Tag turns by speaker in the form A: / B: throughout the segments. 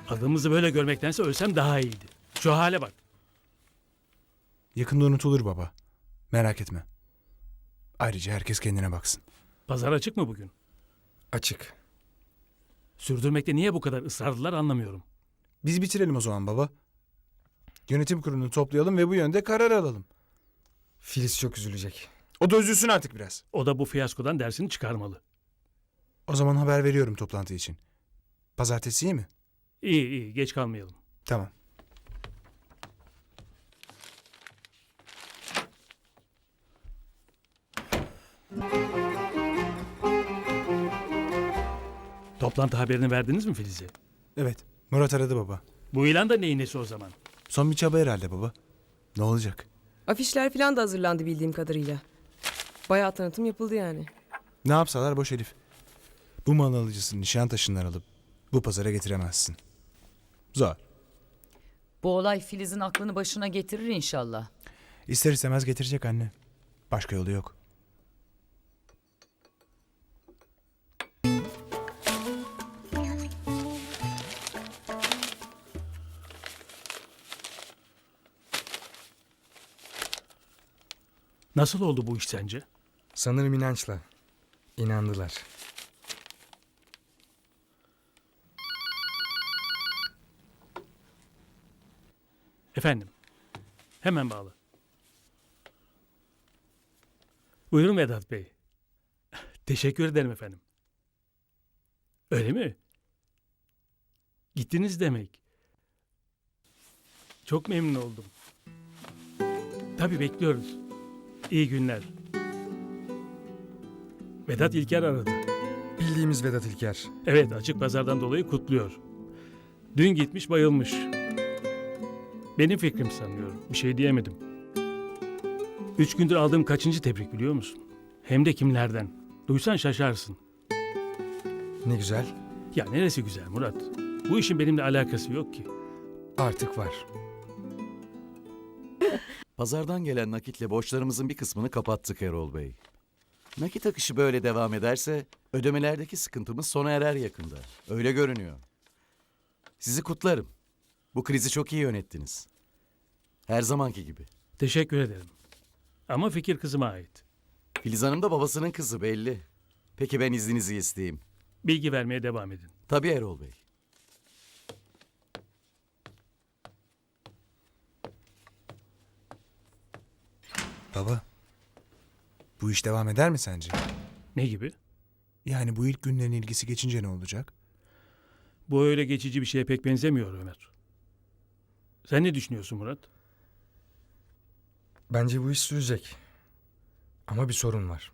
A: Adımızı böyle görmektense ölsem daha iyiydi. Şu hale bak.
B: Yakında unutulur baba. Merak etme. Ayrıca herkes kendine baksın.
A: Pazar açık mı bugün?
C: Açık.
A: Sürdürmekte niye bu kadar ısrarlılar anlamıyorum.
B: Biz bitirelim o zaman baba. Yönetim kurulunu toplayalım ve bu yönde karar alalım.
C: Filiz çok üzülecek.
B: O da üzülsün artık biraz.
A: O da bu fiyaskodan dersini çıkarmalı.
B: O zaman haber veriyorum toplantı için. Pazartesi iyi mi?
A: İyi iyi, geç kalmayalım.
B: Tamam.
A: Toplantı haberini verdiniz mi Filiz'e?
B: Evet. Murat aradı baba.
A: Bu ilan da neyin nesi o zaman?
B: Son bir çaba herhalde baba. Ne olacak?
D: Afişler falan da hazırlandı bildiğim kadarıyla. Bayağı tanıtım yapıldı yani.
B: Ne yapsalar boş Elif. Bu mal alıcısını Nişantaşı'ndan alıp bu pazara getiremezsin. Zor.
E: Bu olay Filiz'in aklını başına getirir inşallah.
B: İster istemez getirecek anne. Başka yolu yok.
A: Nasıl oldu bu iş sence?
C: Sanırım inançla. İnandılar.
A: Efendim, hemen bağlı. Buyurun Vedat Bey. Teşekkür ederim efendim. Öyle mi? Gittiniz demek. Çok memnun oldum. Tabii bekliyoruz. İyi günler. Vedat İlker aradı.
C: Bildiğimiz Vedat İlker.
A: Evet, açık pazardan dolayı kutluyor. Dün gitmiş bayılmış. Benim fikrim sanıyorum. Bir şey diyemedim. 3 gündür aldığım kaçıncı tebrik biliyor musun? Hem de kimlerden? Duysan şaşarsın.
C: Ne güzel.
A: Ya neresi güzel Murat? Bu işin benimle alakası yok ki.
C: Artık var.
F: Pazardan gelen nakitle borçlarımızın bir kısmını kapattık Erol Bey. Nakit akışı böyle devam ederse ödemelerdeki sıkıntımız sona erer yakında. Öyle görünüyor. Sizi kutlarım. Bu krizi çok iyi yönettiniz. Her zamanki gibi.
A: Teşekkür ederim. Ama fikir kızıma ait.
F: Filiz Hanım da babasının kızı belli. Peki ben izninizi isteyeyim.
A: Bilgi vermeye devam edin.
F: Tabii Erol Bey.
B: Baba. Bu iş devam eder mi sence?
A: Ne gibi?
B: Yani bu ilk günlerin ilgisi geçince ne olacak?
A: Bu öyle geçici bir şeye pek benzemiyor Ömer. Sen ne düşünüyorsun Murat?
C: Bence bu iş sürecek. Ama bir sorun var.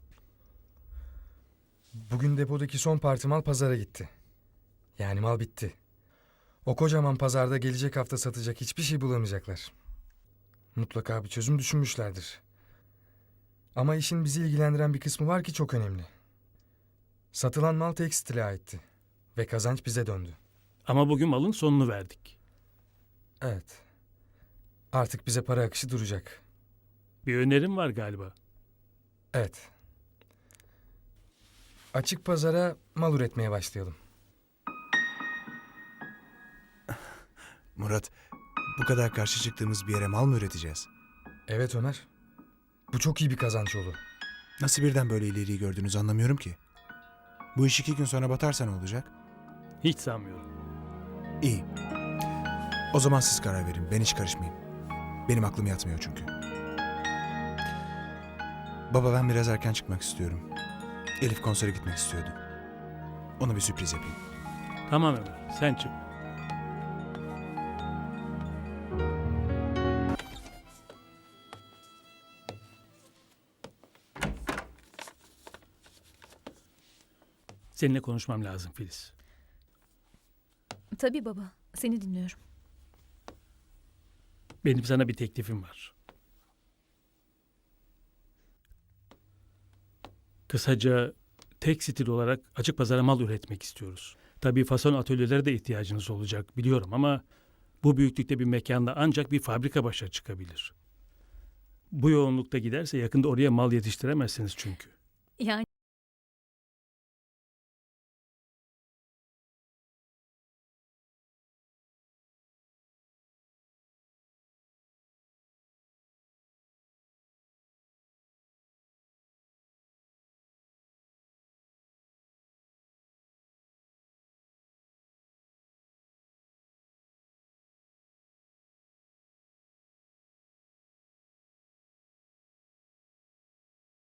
C: Bugün depodaki son parti mal pazara gitti. Yani mal bitti. O kocaman pazarda gelecek hafta satacak hiçbir şey bulamayacaklar. Mutlaka bir çözüm düşünmüşlerdir. Ama işin bizi ilgilendiren bir kısmı var ki çok önemli. Satılan mal tekstile aitti. Ve kazanç bize döndü.
A: Ama bugün malın sonunu verdik.
C: Evet. Artık bize para akışı duracak.
A: Bir önerim var galiba.
C: Evet. Açık pazara mal üretmeye başlayalım.
B: Murat, bu kadar karşı çıktığımız bir yere mal mı üreteceğiz?
C: Evet Ömer. Bu çok iyi bir kazanç yolu.
B: Nasıl birden böyle ileriyi gördünüz anlamıyorum ki. Bu iş 2 gün sonra batarsa ne olacak?
A: Hiç sanmıyorum.
B: İyi. O zaman siz karar verin. Ben hiç karışmayayım. Benim aklım yatmıyor çünkü. Baba ben biraz erken çıkmak istiyorum. Elif konsere gitmek istiyordu. Ona bir sürpriz yapayım.
A: Tamam Ömer, sen çık. Seninle konuşmam lazım Filiz.
G: Tabii baba, seni dinliyorum.
A: Benim sana bir teklifim var. Kısaca tek stil olarak açık pazara mal üretmek istiyoruz. Tabii fason atölyelere de ihtiyacınız olacak biliyorum ama bu büyüklükte bir mekanda ancak bir fabrika başa çıkabilir. Bu yoğunlukta giderse yakında oraya mal yetiştiremezsiniz çünkü.
G: Yani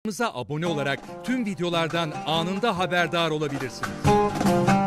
H: Kanalımıza abone olarak tüm videolardan anında haberdar olabilirsiniz.